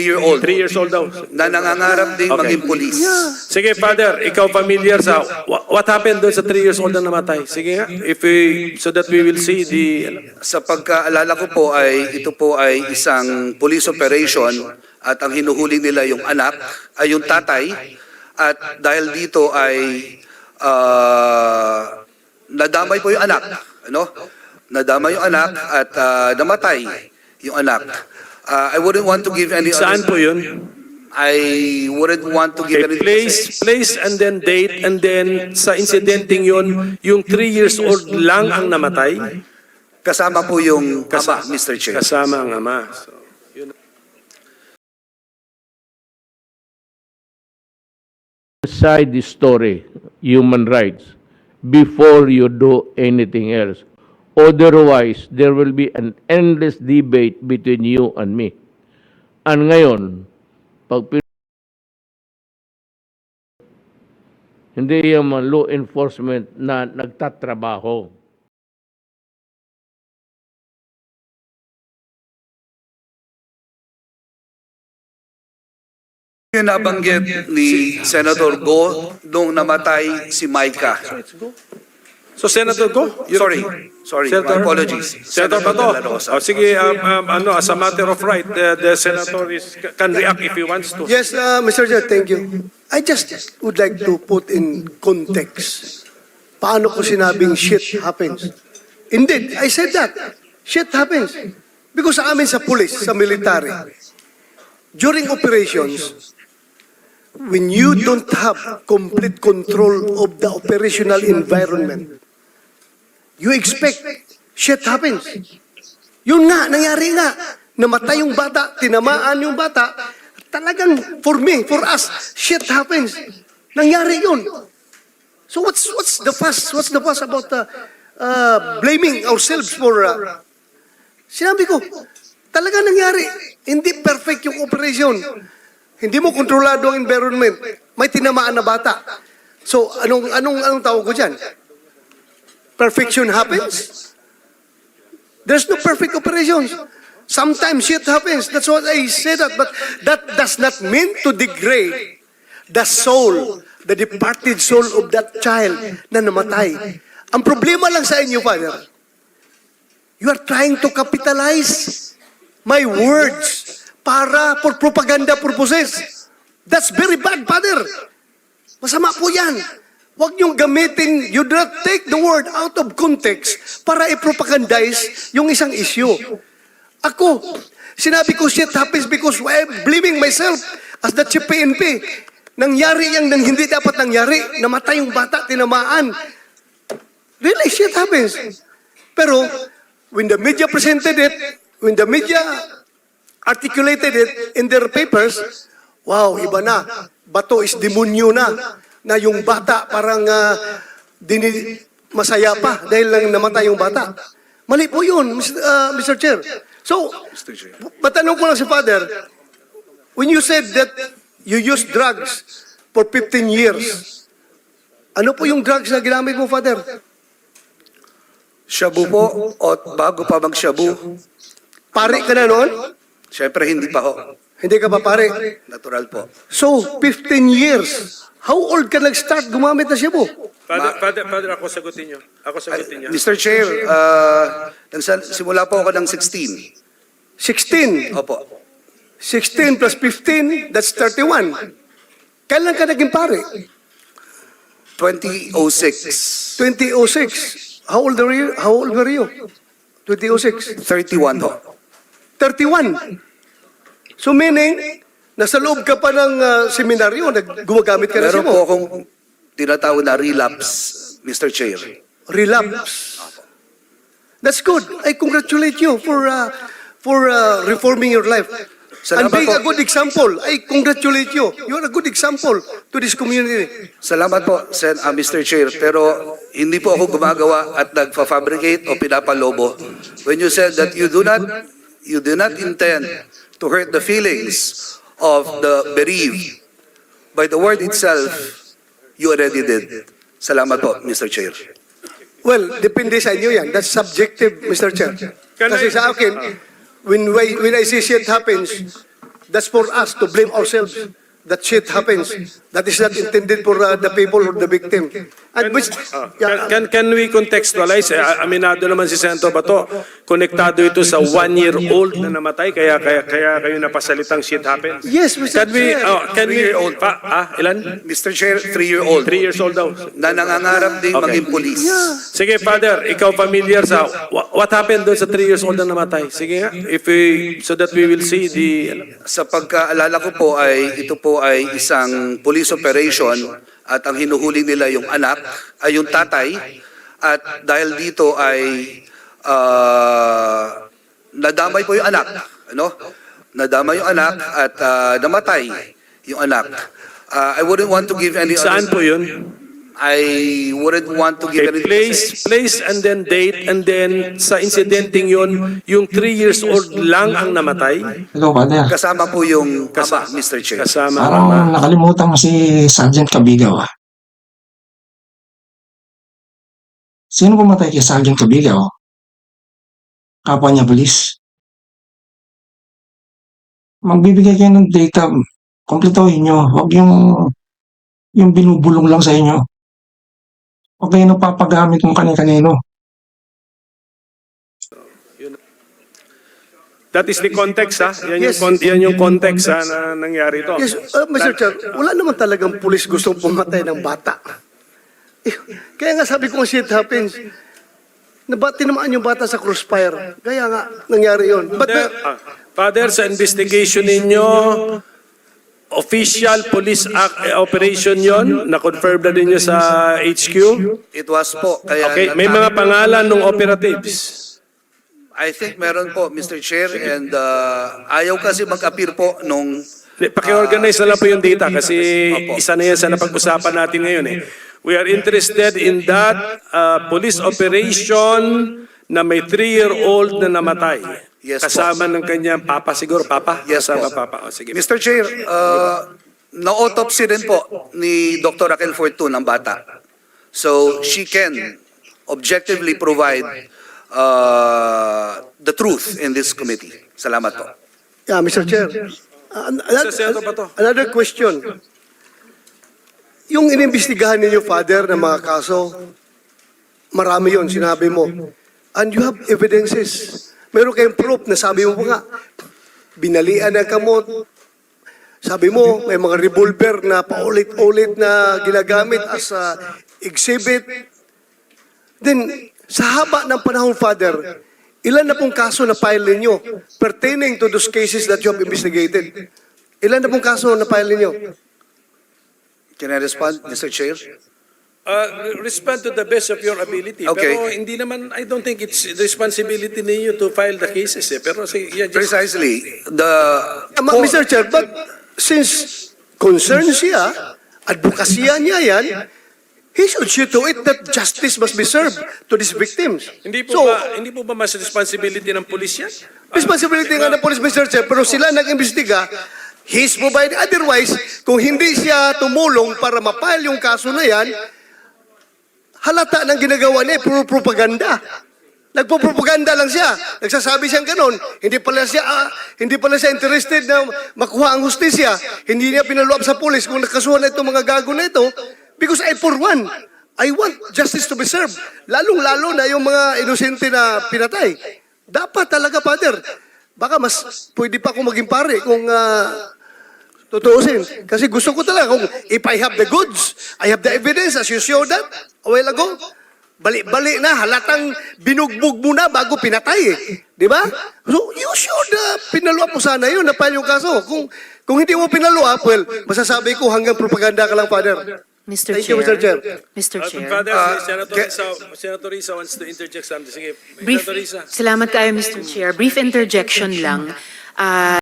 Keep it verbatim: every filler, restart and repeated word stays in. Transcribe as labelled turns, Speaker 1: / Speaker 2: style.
Speaker 1: year old
Speaker 2: Three years old daw.
Speaker 1: na nangangarap ding
Speaker 2: Okay.
Speaker 1: maging police.
Speaker 2: Sige, Father, ikaw familiar sa wha- what happened doon sa three years old na namatay? Sige nga, if we, so that we will see the...
Speaker 1: Sa pagkaalala ko po ay ito po ay isang police operation at ang hinuhuli nila yung anak, ay yung tatay, at dahil dito ay ah, nadamay po yung anak, ano? Nadamay yung anak at ah, namatay yung anak. Ah, I wouldn't want to give any
Speaker 2: Saan po yun?
Speaker 1: I wouldn't want to give
Speaker 2: Okay,
Speaker 1: any
Speaker 2: place, place and then date, and then sa incidenting yun, yung three years old lang ang namatay?
Speaker 1: kasama po yung
Speaker 2: Kasa-
Speaker 1: ama, Mister Chair.
Speaker 2: Kasama ang ama. So, yun.
Speaker 3: Decide the story, human rights, before you do anything else. Otherwise, there will be an endless debate between you and me. And ngayon, pag pin- hindi yung mga law enforcement na nagtatrabaho.
Speaker 1: Yung nabanggit ni Senator Go nung namatay si Micah.
Speaker 2: So, Senator Go? you-
Speaker 1: Sorry, sorry,
Speaker 2: Senator?
Speaker 1: my apologies.
Speaker 2: Senator
Speaker 1: De La
Speaker 2: Bato.
Speaker 1: Rosa.
Speaker 2: Oh, sige, um, um, ano, as a matter of right, the, the senator is, can react if he wants to.
Speaker 4: Yes, uh, Mister Chair, thank you. I just would like to put in context. Paano ko sinabing shit happens? Indeed, I said that. Shit happens. Because sa amin sa police, sa military, during operations, when you don't have complete control of the operational environment, you expect shit happens. Yun nga, nangyari nga. Namatay yung bata, tinamaan yung bata. Talagang, for me, for us, shit happens. Nangyari yun. So what's what's the fuss? What's the fuss about uh, uh, blaming ourselves for... Uh, sinabi ko, talaga nangyari. Hindi perfect yung operation. Hindi mo kontrolado ang environment. May tinamaan na bata. So, anong anong anong tawag ko diyan? Perfection happens? There's no perfect operations. Sometimes shit happens. That's what I say that. But that does not mean to degrade the soul, the departed soul of that child na namatay. Ang problema lang sa inyo, Father, you are trying to capitalize my words para for propaganda purposes. That's very bad, Father. Masama po yan. Huwag niyong gamitin, you do not take the word out of context para i-propagandize yung isang issue. Ako, sinabi ko shit happens because I'm blaming myself as the chief P N P. Nangyari yung nang hindi dapat nangyari. Namatay yung bata, tinamaan. Really, shit happens. Pero, when the media presented it, when the media articulated it in their papers, wow, iba na. Bato is demonyo na. Na yung bata parang uh, dini, masaya pa dahil lang namatay yung bata. Mali po yun, Mister Uh, Mister Chair. So, matanong ko lang si Father, when you said that you used drugs for fifteen years, ano po yung drugs na ginamit mo, Father?
Speaker 1: Shabu po, o bago pa mag-shabu,
Speaker 4: Pare ka na noon?
Speaker 1: syempre hindi pa ho.
Speaker 4: Hindi ka pa pare?
Speaker 1: Natural po.
Speaker 4: So, fifteen years. How old ka nag-start gumamit na Cebu?
Speaker 2: Father, Father, Father, ako sagutin niyo. Ako sagutin niyo.
Speaker 1: Mister Chair, uh, nagsa- simula po ako ng sixteen.
Speaker 4: sixteen.
Speaker 1: Opo.
Speaker 4: sixteen plus fifteen, that's thirty-one. Kailan ka naging pare?
Speaker 1: twenty oh six.
Speaker 4: twenty oh six. How old were you? How old were you? twenty oh six.
Speaker 1: thirty-one ho.
Speaker 4: thirty-one. So meaning, nasa loob ka pa ng uh, seminaryo, nag- gumagamit ka na
Speaker 1: Meron
Speaker 4: Cebu.
Speaker 1: po akong tinatawag na relapse, Mister Chair.
Speaker 4: Relapse. That's good. I congratulate you for uh, for uh, reforming your life.
Speaker 1: Salamat
Speaker 4: And being
Speaker 1: po.
Speaker 4: a good example, I congratulate you. You are a good example to this community.
Speaker 1: Salamat po, Sen, uh, Mister Chair. Pero hindi po ako gumagawa at nagfa-fabricate o pinapalobo. When you said that you do not, you do not intend to hurt the feelings of the bereaved, by the word itself, you already did. Salamat po, Mister Chair.
Speaker 4: Well, depende sa inyo yan. That's subjective, Mister Chair.
Speaker 2: Can
Speaker 4: Kasi
Speaker 2: I-
Speaker 4: sa akin, when, I- when I see shit happens, That's for us to blame ourselves. That shit happens. That is not intended for uh, the people or the victim. And which,
Speaker 2: Ah,
Speaker 4: yeah,
Speaker 2: can, can, can we contextualize? Eh, aminado naman si Senator Bato, konektado ito sa one-year-old na namatay, kaya, kaya, kaya kayo napasalitang shit happens.
Speaker 4: yes, Mister
Speaker 2: Can we,
Speaker 4: Chair.
Speaker 2: oh, can we,
Speaker 1: Three-year-old.
Speaker 2: pa, ah, ilan?
Speaker 1: Mister Chair, three-year-old
Speaker 2: Three years old daw.
Speaker 1: na nangangarap ding
Speaker 2: Okay.
Speaker 1: maging police.
Speaker 2: Sige, Father, ikaw familiar sa, wha- what happened doon sa three years old na namatay? Sige nga, if we, so that we will see the,
Speaker 1: Sa pagkaalala ko po ay ito po ay isang police operation at ang hinuhuli nila yung anak ay yung tatay at dahil dito ay ah, nadamay po yung anak, ano? Nadamay yung anak at ah, namatay yung anak. Ah, I wouldn't want to give any
Speaker 2: saan po yun?
Speaker 1: I wouldn't want to give
Speaker 2: Okay,
Speaker 1: any
Speaker 2: place, place and then date and then sa incidenting yun, yung three years old lang ang namatay.
Speaker 5: Hello, Father.
Speaker 1: kasama po yung ama, Mister Chair.
Speaker 2: Kasama
Speaker 5: Parang
Speaker 2: mama.
Speaker 5: nakalimutan mo si Sergeant Cabigaw. ah. Sino pumatay kay Sergeant Cabigaw? Kapwa niya pulis. Magbibigay kayo ng data, kompletohin nyo. Huwag yung, yung binubulong lang sa inyo. Huwag kayo napapagamit kung kani-kanino.
Speaker 2: That is the context, ha? Yan yung,
Speaker 4: Yes.
Speaker 2: con- yan yung context, ha, na nangyari to.
Speaker 4: Yes, uh, Mister Chair, wala naman talagang pulis gustong pumatay ng bata. Eh, Kaya nga sabi ko, shit happens. Nabati naman yung bata sa crossfire. Kaya nga, nangyari yun. But,
Speaker 2: Father,
Speaker 4: uh,
Speaker 2: ah, Father, sa investigation ninyo, official police act, eh, operation yon, na-confirm na ninyo sa H Q?
Speaker 1: It was po. Kaya
Speaker 2: Okay, may mga pangalan ng operatives.
Speaker 1: I think meron po, Mister Chair, and uh, ayaw kasi mag-appear po nung
Speaker 2: Paki-organize na lang po yung data kasi
Speaker 1: Opo.
Speaker 2: isa na yan sa napag-usapan natin ngayon eh. We are interested in that uh, police operation na may three-year-old na namatay.
Speaker 1: Yes po.
Speaker 2: Kasama ng kanyang papa siguro, papa?
Speaker 1: Yes
Speaker 2: Kasama
Speaker 1: po.
Speaker 2: papa. O, sige.
Speaker 1: Mister Chair, uh, na-autopsy din po ni Doctor Raquel Fortun ang bata. So she can objectively provide uh, the truth in this committee. Salamat po.
Speaker 4: yeah, Mister Chair, uh, another,
Speaker 2: Senator Bato.
Speaker 4: another question. Yung inimbestigahan ninyo, Father, ng mga kaso, marami yon sinabi mo. And you have evidences. Meron kayong proof na sabi mo nga, binalian ng kamot. Sabi mo, may mga revolver na paulit-ulit na ginagamit as a exhibit. Then, sa haba ng panahon, Father, ilan na pong kaso na file ninyo pertaining to those cases that you have investigated? Ilan na pong kaso na file ninyo?
Speaker 1: Can I respond, Mister Chair?
Speaker 2: Uh, respond to the best of your ability.
Speaker 1: Okay.
Speaker 2: Pero hindi naman, I don't think it's the responsibility ninyo to file the cases eh. Pero sige, yeah, just,
Speaker 1: Precisely. The
Speaker 4: Ah, ma- Mister Chair, but since concerned siya, advokasya niya yan, he should see to it that justice must be served to these victims.
Speaker 2: hindi po
Speaker 4: So,
Speaker 2: ba hindi po ba mas responsibility ng pulis yan?
Speaker 4: responsibility nga ng police, Mister Chair, pero sila nag-imbestiga, he's provided. Otherwise, kung hindi siya tumulong para mapile yung kaso na yan, halata ng ginagawa niya, puro propaganda. Nagpo-propaganda lang siya. Nagsasabi siyang ganon. Hindi pala siya, ah, hindi pala siya interested na makuha ang hustisya. Hindi niya pinaluap sa pulis kung nakasuhan na itong mga gago na ito. Because I, for one, I want justice to be served. Lalong-lalo na yung mga inosente na pinatay. Dapat talaga, Father. Baka mas pwede pa akong maging pare kung uh, tutuusin. Kasi gusto ko talaga kung if I have the goods, I have the evidence as you showed that a while ago. Balik-balik na, halatang binugbog mo na bago pinatay eh. Di ba? So, you should uh, pinaluap mo sana yun, napal yung kaso. Kung, kung hindi mo pinaluap, well, masasabi ko hanggang propaganda ka lang, Father.
Speaker 6: Mister
Speaker 4: Thank
Speaker 6: Chair.
Speaker 4: you, Mister Chair.
Speaker 6: Mister
Speaker 2: Uh,
Speaker 6: Chair.
Speaker 2: Father,
Speaker 1: Uh,
Speaker 2: Senator,
Speaker 1: ke-
Speaker 2: Risa, Senator Risa wants to interject something. Sige,
Speaker 6: Brief,
Speaker 2: Senator Risa.
Speaker 6: salamat kayo, Mister Chair. Brief interjection lang. Ah,